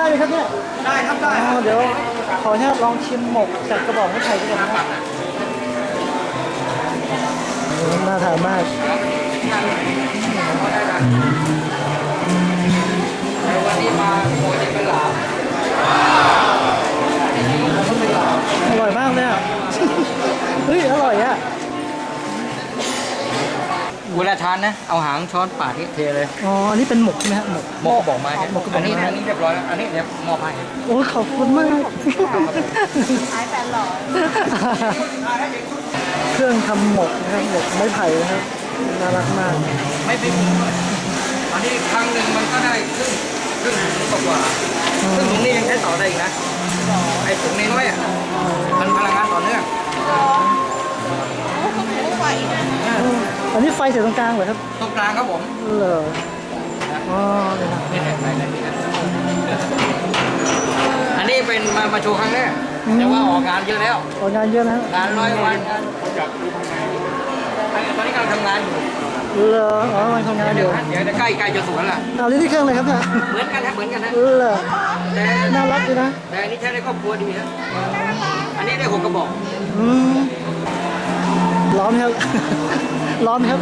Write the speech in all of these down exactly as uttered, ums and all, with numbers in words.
ได้ไหมครับเนี่ยได้ครับได้เดี๋ยวขออนุญาตลองชิมหมกจากกระบอกไม้ไผ่ด้วยกันนะน่าทานมากวันนี้มาโคตรเป็นหลาอร่อยมากเลยอ่ะเฮ้ยอร่อยอ่ะเวลาทานนะเอาหางช้อนปาดนี่เทเลยอ๋ออันนี้เป็นหมกใช่ไหมฮะหมกหมกกระบอกไม้หมกกระบอกไม้อันนี้อันนี้เรียบร้อยแล้วอันนี้เดี๋ยวมอบให้โอ้ขอบคุณมากขายแฟนหล่อเครื่องทำหมกนะครับหมกไม้ไผ่นะครับน่ารักมากไม่เป็นอันนี้ครั้งหนึ่งมันก็ได้ครึ่งครึ่งถุงกว่าซึ่งถุงนี้ยังใช้ต่อได้อีกนะไอ้ถุงน้อยอ่ะมันพลังงานต่อเนื่องอันนี้ไฟเสียตรงกลางเหรอครับตรงกลางครับผมเหรออ๋อนี่นะอันนี้เป็นมามาโชว์ครั้งแรกแต่ว่าออกงานเยอะแล้วออกงานเยอะนะงานร้อยวันงานอยากดูทำงานตอนนี้กำลังทำงานอยู่เหรออ๋อมันทำงานอยู่เดี๋ยวจะใกล้ใกล้จะสวนละเอาลิ้นที่เครื่องเลยครับเนี่ยเหมือนกันนะเหมือนกันนะเหรอแต่น่ารักดีนะแต่อันนี้ใช้ในครอบครัวดีนะอันนี้ได้หกกระบอกอืมร้อนครับร้อนครับ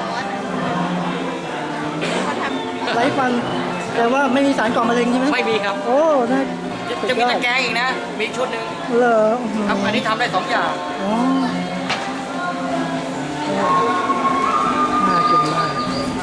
ไร้ควันแต่ว่าไม่มีสารก่อมะเร็งใช่ไหมไม่มีครับโอ้น่าจะมีตะแกรงอีกนะมีชุดหนึ่งเหรอครับอันนี้ทำได้สองอย่างอ๋อน่ากินมาก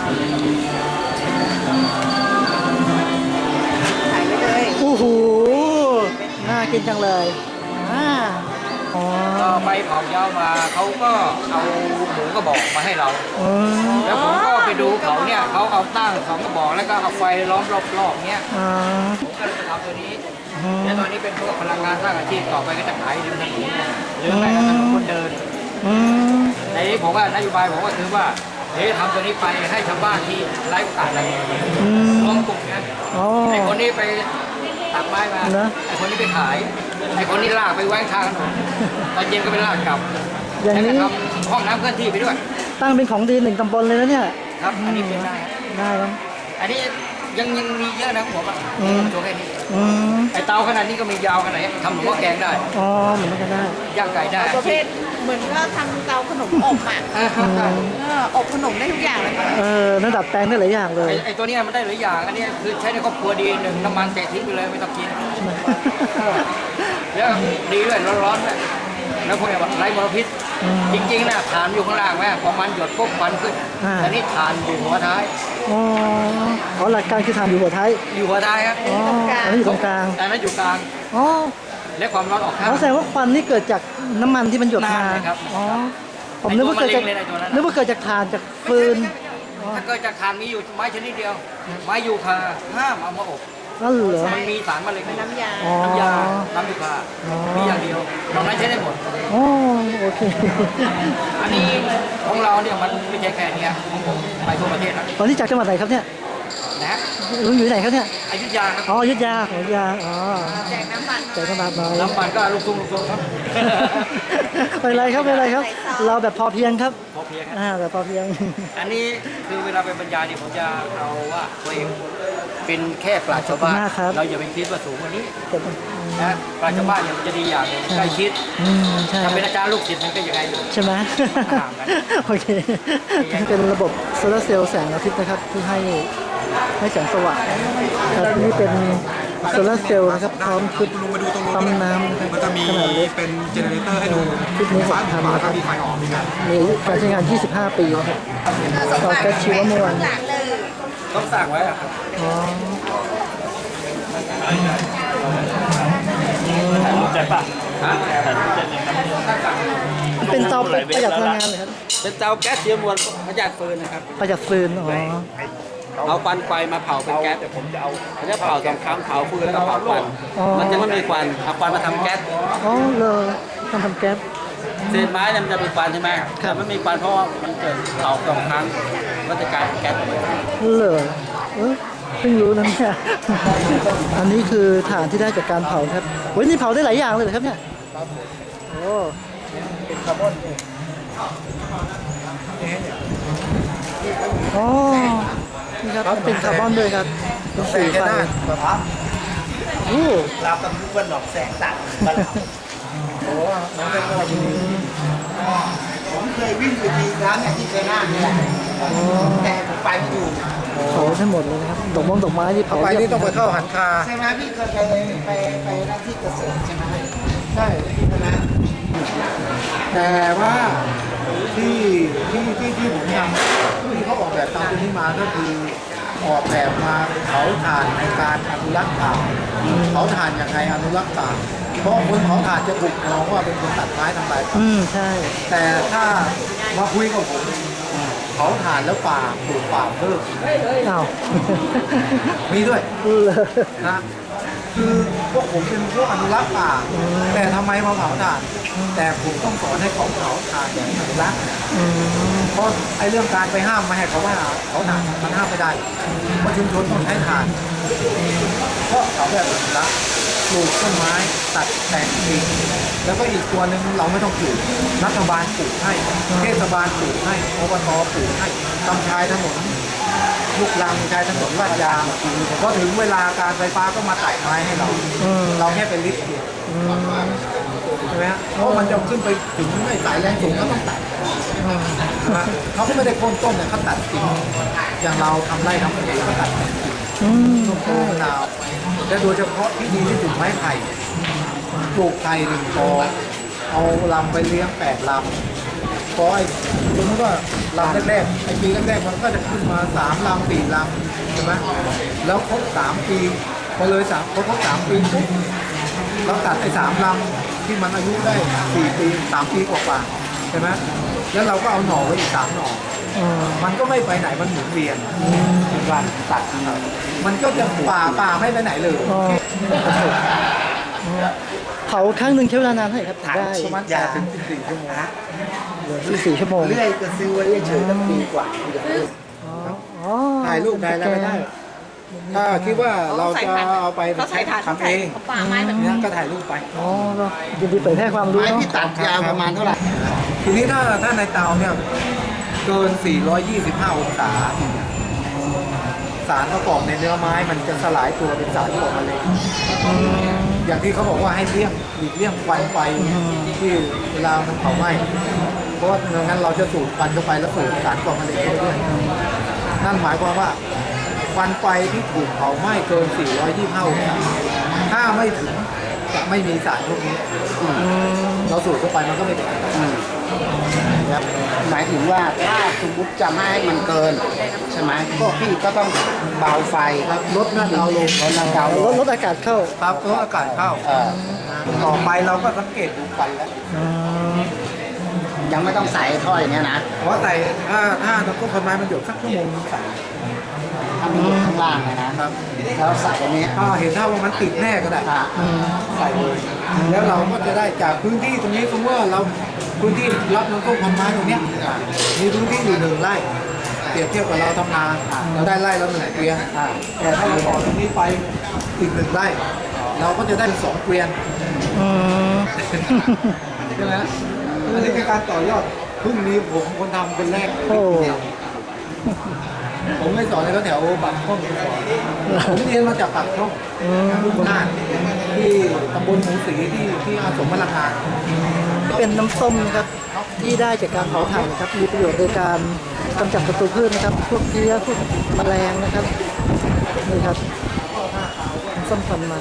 ถ่ายไปเลยโอ้โหน่ากินจังเลยอ่าก็ไปเผายาวมาเขาก็เอาหมูกระบอกมาให้เราแล้วผมก็ไปดูเขาเนี่ยเขาเอาตั้งสองกระบอกแล้วก็เอาไฟล้อมรอบๆเนี้ยผมก็เลยไปทำตัวนี้แล้วตอนนี้เป็นพวกพลังงานสร้างอาชีพต่อไปก็จะขายริมถนนหรือไม่ก็ถนนคนเดินในนี้ผมว่านโยบายผมก็คือว่าเฮ้ยทำตัวนี้ไปให้ชาวบ้านที่ไร้โอกาสอะไรรวมกลุ่มกันไอ้คนนี้ไปตัดไม้มาไอ้คนนี้ไปขายไอ้คนนี้ลากไปแว้งทางถนนตอนเย็นก็ไปลากกลับอย่างนี้ทำห้องน้ำเคลื่อนที่ไปด้วยตั้งเป็นของดีหนึ่งตำบลเลยนะเนี่ยครับอันนี้เป็นได้ได้ครับอันนี้ยังยังมีเยอะนะผมอ่ะโชว์แค่นี้ไอ้เตาขนาดนี้ก็มียาวขนาดนี้ทำหมูแกงได้อ๋อเหมือนกันได้ย่างไก่ได้ประเภทเหมือนว่าทำเตาขนมอบอ่ะอบขนมได้ทุกอย่างเลยเออนั่นดัดแปลงได้หลายอย่างเลยไอ้ตัวนี้มันได้หลายอย่างอันนี้คือใช้ในครอบครัวดีหนึ่งน้ำมันแตะทิ้งไปเลยไม่ต้องกินแล้วดีด้วยร้อนๆด้วยแล้วพวกนี้แบบไร้มลพิษจริงๆนะฐานอยู่ข้างล่างแม่พอมันหยดปุ๊บควันขึ้นแต่นี่ฐานอยู่หัวท้ายอ๋อหลักการคือฐานอยู่หัวท้ายอยู่หัวท้ายครับอ๋ออันนี้อยู่ตรงกลางอันนั้นอยู่กลางอ๋อและความร้อนออกข้างแสดงว่าควันนี่เกิดจากน้ำมันที่มันหยดมาอ๋อผมนึกว่าเกิดจากนึกว่าเกิดจากถ่านจากฟืนถ้าเกิดจากถ่านมีอยู่ไม้ชนิดเดียวไม้ยูคาห้ามเอามาอบนั่นเหรอมันมีสารมะเร็งน้ำยาน้ำยาน้ำยูคามีอย่างเดียวนอกนั้นใช้ได้หมดอ๋อโอเคอันนี้ของเราเนี่ยมันไม่ใช่แค่นี้ของผมไปทั่วประเทศนะตอนนี้จากจังหวัดไหนครับเนี่ยนะลุงอยู่ไหนครับเนี่ยอยุธยาครับอ๋ออยุธยาอยุธยาอ๋อแจกน้ำมันแจกน้ำมันน้อยน้ำมันก็ลูกทุ่งลูกทุ่งครับเป็นไรครับเป็นไรครับเราแบบพอเพียงครับพอเพียงอ่าแบบพอเพียงอันนี้คือเวลาไปบรรยายเนี่ยผมจะเอาว่าตัวเองเป็นแค่ปราชญ์ชาวบ้านเราอย่าไปคิดว่าสูงกว่านี้นะปราชญ์ชาวบ้านเนี่ยมันจะดีอย่างหนึ่งใกล้ชิดถ้าเป็นอาจารย์ลูกศิษย์มันก็ยังไงอยู่ใช่ไหมโอเคเป็นระบบโซลาร์เซลล์แสงอาทิตย์นะครับที่ให้ให้แสงสว่างครับนี่เป็นโซลาร์เซลล์นะครับพร้อมชุดปั๊มน้ำนะครับมันจะมีเป็นเจเนเรเตอร์ให้ดูชุดนี้หกพันนะครับมีไฟออกมีการมีอายุการใช้งานยี่สิบห้าปีนะครับต่อแก๊สชีวมวลต้องสั่งไว้อะครับอ๋อใจป่ะฮะเป็นเตาประหยัดพลังงานเลยครับเป็นเตาแก๊สชีวมวลประหยัดฟืนนะครับประหยัดฟืนอ๋อเอาควันไฟมาเผาเป็นแก๊สแต่ผมจะเอาเขาจะเผาสองครั้งเผาฟืนแล้วก็เผาควันมันจะไม่มีควันเอาควันมาทำแก๊สอ๋อเลยทำทำแก๊สเศษไม้มันจะมีควันใช่ไหมแต่ไม่มีควันเพราะมันเกิดเผาสองครั้งก็จะกลายเป็นแก๊สเลยเออเพิ่งรู้นะเนี่ยอันนี้คือฐานที่ได้จากการเผาครับเฮ้ยนี่เผาได้หลายอย่างเลยเหรอครับเนี่ยโอ้เป็นคาร์บอนอ๋อนี่ครับเป็นคาร์บอนด้วยครับเป็นสีไฟโอ้เรากำลังวันหนองแสงสัตว์บ้านเราโหน้องเป็นอะไรดีผมเคยวิ่งไปทีน้ำเนี่ยที่เคยหน้านี่แหละแต่ผมไปไม่ถูกเผาทั้งหมดเลยนะครับดอกมงดอกไม้ที่เผาไปนี่ต้องไปเข้าหันคาใช่ไหมพี่เคยไปไปไปหน้าที่เกษตรใช่ไหมใช่ใช่ไหมแต่ว่าที่ที่ที่ที่ผมทำที่เขาออกแบบตามตัวนี้มาก็คือออกแบบมาเผาถ่านในการอนุรักษ์ป่าเผาถ่านอย่างไรอนุรักษ์ป่าเพราะคนเผาถ่านจะถูกมองว่าเป็นคนตัดไม้ทำลายป่าอืมใช่แต่ถ้ามาคุยกับผมเผาถ่านแล้วป่าปลูกป่าเพิ่มอ้าวมีด้วยเลยนะคือพวกผมเป็นพวกอนุรักษ์ป่า แต่ทำไมมาเผาถ่าน แต่ผมต้องสอนให้เขาเผาถ่านอย่างอนุรักษ์อืมเพราะไอ้เรื่องการไปห้ามไม่ให้เขาว่าเขาถ่านมันห้ามไม่ได้เพราะชุมชนต้องใช้ถ่านเพราะเขาแบบอนุรักษ์ปลูกต้นไม้ตัดแต่งกิ่งแล้วก็อีกตัวหนึ่งเราไม่ต้องปลูกรัฐบาลปลูกให้เทศบาลปลูกให้อบตปลูกให้ทำชายถนนลูกรังชายถนนลาดยางพอถึงเวลาการไฟฟ้าก็มาตัดไม้ให้เราอืมเราแค่เป็นลิฟต์เดียวอืมใช่ไหมฮะเพราะมันจะขึ้นไปถึงไม่สายแรงสูงก็ต้องตัดอืมใช่ไหมเขาก็ไม่ได้โค่นต้นเนี่ยเขาตัดกิ่งอย่างเราทำไร่ทำสวนก็ตัดแต่งกิ่งอืมต้นโพมะนาวและโดยเฉพาะที่ดีที่สุดไม้ไผ่ปลูกไผ่หนึ่งกอเอาลำไปเลี้ยงแปดลำเพราะไอ้สมมติว่าลำแรกๆไอ้ปีแรกๆมันก็จะขึ้นมาสามลำสี่ลำใช่ไหมแล้วครบสามปีพอเลยสามพอครบสามปีปุ๊บเราตัดไอ้สามลำที่มันอายุได้สี่ปีสามปีกว่าๆใช่ไหมแล้วเราก็เอาหน่อไว้อีกสามหน่ออืมมันก็ไม่ไปไหนมันหมุนเวียนเป็นวันตัดครับมันก็จะป่าป่าไม่ไปไหนเลยอ๋อเผาครั้งหนึ่งใช้เวลานานเท่าไหร่ครับถึงได้ประมาณแปดถึงสิบสี่ชั่วโมงสี่สี่ชั่วโมงเรื่อยก็ซื้อไว้เฉยๆตั้งปีกว่าอย่างนี้อ๋ออ๋อถ่ายรูปได้แล้วไม่ได้ ถ้าคิดว่าเราจะเอาไปเขาใส่ถ่านทำเองเขาป่าไม้แบบนี้เนี่ยก็ถ่ายรูปไปอ๋อก็ยินดีเผยแพร่ความรู้ไม้เนาะที่ตัดยาวประมาณเท่าไหร่ทีนี้ถ้าถ้าในเตาเนี่ยเกิน สี่ร้อยยี่สิบห้า องศา สารประกอบในเนื้อไม้มันจะสลายตัวเป็นสารก่อมะเร็งอย่างที่เขาบอกว่าให้เลี่ยงหลีกเลี่ยงควันไฟที่เวลามันเผาไหม้เพราะว่าไม่งั้นเราจะสูดควันเข้าไปแล้วสูดสารก่อมะเร็งเข้าไปด้วยนั่นหมายความว่าควันไฟที่ถูกเผาไหม้เกิน สี่ร้อยยี่สิบห้า องศาถ้าไม่ถึงจะไม่มีสารพวกนี้เราสูดเข้าไปมันก็ไม่เป็นอันตรายครับหมายถึงว่าถ้าสมมติจะไม่ให้มันเกินใช่ไหมก็พี่ก็ต้องเบาไฟครับลดหน้าเตาลงลดน้ำเตาลลงดลดอากาศเข้าครับลดอากาศเข้าเออต่อไปเราก็สังเกตดูควันแล้วอืมยังไม่ต้องใส่ท่ออย่างเงี้ยนะเพราะใส่ถ้าถ้าน้ำต้มคนไม้มันหยดสักชั่วโมงนึงใส่ถ้ามันอยู่ข้างล่างอะนะครับ แล้วใส่อันนี้ถ้าเห็นถ้าว่ามันติดแน่ก็ได้อ่ะใส่เลยแล้วเราก็จะได้จากพื้นที่ตรงนี้สมมติว่าเราพื้นที่รับน้ำต้มคนไม้ตรงเนี้ยมีพื้นที่อยู่หนึ่งไร่เปรียบเทียบกับเราทำนาเราได้ไร่ละหนึ่งเกวียนแต่ถ้าเราต่อตรงนี้ไปอีกหนึ่งไร่เราก็จะได้สองเกวียนอืมใช่ไหมอันนี้เป็นการต่อยอดเพิ่งมีผมคนทำเป็นแรกเลยโอ้ผมไม่สอนเลยเขาแถวปากช่องสอนผมเรียนมาจากปากช่องลูกคนน่านที่ตำบลหมูสีที่ที่อาสมมะละกาเป็นน้ำส้มนะครับที่ได้จากการเผาถ่านนะครับมีประโยชน์ในการกำจัดศัตรูพืชนะครับพวกเพี้ยพวกแมลงนะครับนี่ครับน้ำส้มควันไม้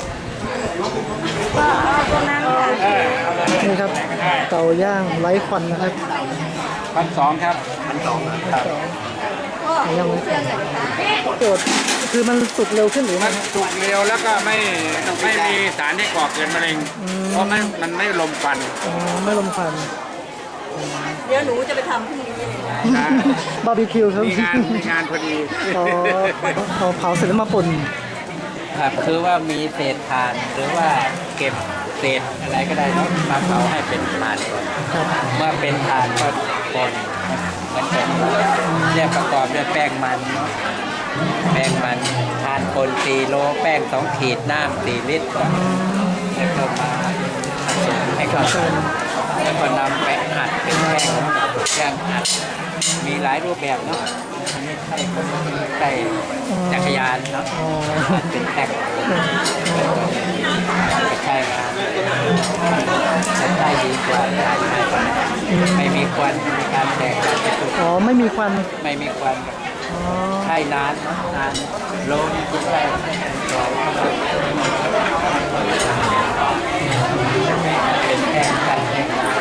นี่ครับเตาย่างไร้ควันนะครับพันสองครับพันสองครับยังไม่ประโยชน์คือมันสุกเร็วขึ้นหรือมัไม่นสุกเร็วแล้วก็ไม่ไม่มีสารที่ก่อเกิดมะเร็ง เพราะมันมันไม่ลมควันอ๋อไม่ลมควันเดี๋ยวหนูจะไปทำพรุ่งนี้เลยนะนะบาร์บีคิวครับมีงานมีงานพอดีพอพอเผาเสร็จแล้วมาป่นครับคือว่ามีเศษถ่านหรือว่าเก็บเศษอะไรก็ได้เนาะมาเผาให้เป็นถ่านก่อนครับเมื่อเป็นถ่านก็ป่นมันจะเนี่ยประกอบด้วยแป้งมันเนาะแป้งมันถ่านป่นสี่โลแป้งสองขีดน้ำสี่ลิตรก่อนแล้วก็มาผสมให้เข้ากันแล้วก็นำไปอัดเป็นแป้งแป้งอัดมีหลายรูปแบบเนาะอันนี้ใช่ใช่จักรยานเนาะอ๋ออัดเป็นแป้งได้ดีกว่าได้ง่ายกว่าไม่มีควันไม่มีการแตกการจุดอ๋อไม่มีควันไม่มีควันอ๋อใช้นานนานโลมที่ใช้ร้อยเป็นแค่การแข่งขัน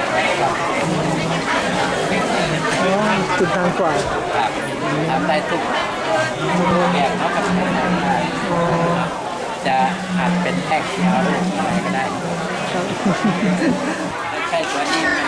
อ๋อจุดนานกว่าครับทำได้ทุกแบบเนาะครับอ๋อจะอาจเป็นแท่งเขียวอะไรก็ได้ครับใช่ตัวนี้มัน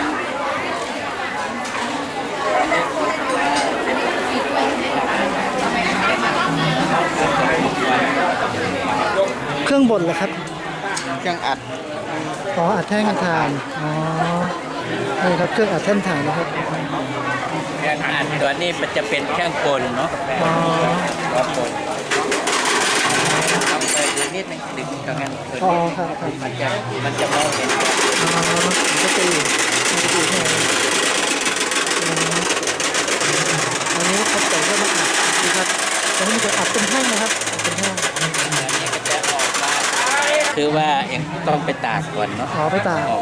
เครื่องบดเหรอครับเครื่องอัดอ๋ออัดแท่งอัดถ่าน อ๋อ นี่ครับเครื่องอัดแท่งถ่านนะครับเครื่องอัดตัวนี้มันจะเป็นเครื่องกลเนาะอ๋อตัวกลต้องเปิดดูนิดนึงดึงตรงนั้นอ๋อครับครับมันจะมันจะมองเห็นอ๋อมันก็ตีมันก็ตีให้เราอืมอันนี้เขาใส่เข้ามาอัดนะครับแต่ให้มันจะอัดเป็นแท่งนะครับอัดเป็นแท่งอันนี้ก็จะออกมาคือว่าเองต้องไปตากก่อนเนาะอ๋อไปตากออก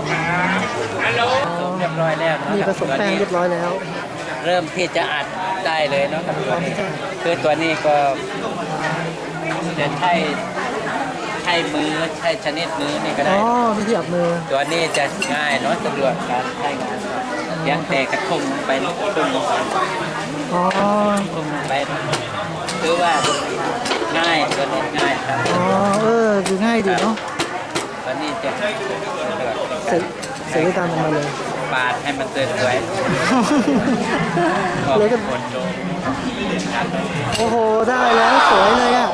ผสมเรียบร้อยแล้วเนาะนี่ผสมแป้งเรียบร้อยแล้วเริ่มที่จะอัดได้เลยเนาะกับตัวนี้คือตัวนี้ก็จะใช้ใช้มือใช้ชนิดมือนี่ก็อ๋ได้อวิธีอัดมือตัวนี้จะง่ายเนาะสะดวกการใช้งานเพียงแต่กระทุ่มลงไปทุ่มลงไปอ๋อทุ่มลงไปคือว่าง่ายตัวนี้ง่ายครับอ๋อ เออดูง่ายดีเนาะตัวนี้จะสะดวกเสร็จเสร็จได้ตามออกมาเลยปาดให้มันสวยๆก็เลยก็คนดูโอ้โห ได้แล้วสวยเลยอ่ะ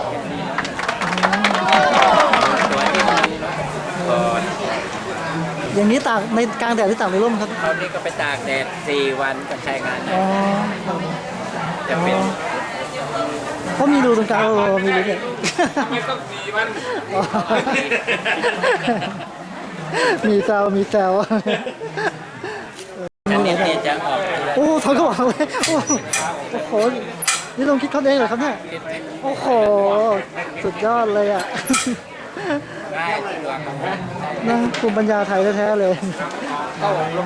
ตัวที่มันก่อนอย่างนี้ตากในกลางแดดหรือตากในร่มครับเขานี่ก็ไปตากแดดสี่วันก็ใช้งานได้อ๋อครับจะเป็นเขามีรูตรงกลางโอ้โหมีรูเนี่ยไม่ต้องสีมันอ๋อมีแซวมีแซวอันนี้เนี่ยจะออกโอ้ถอนกระบอกเลยโอ้โห นี่ลงคิดเขาเองเหรอครับเนี่ย โอ้โห สุดยอดเลยอ่ะง่ายสะดวกนะภูมิปัญญาไทยแท้ๆเลย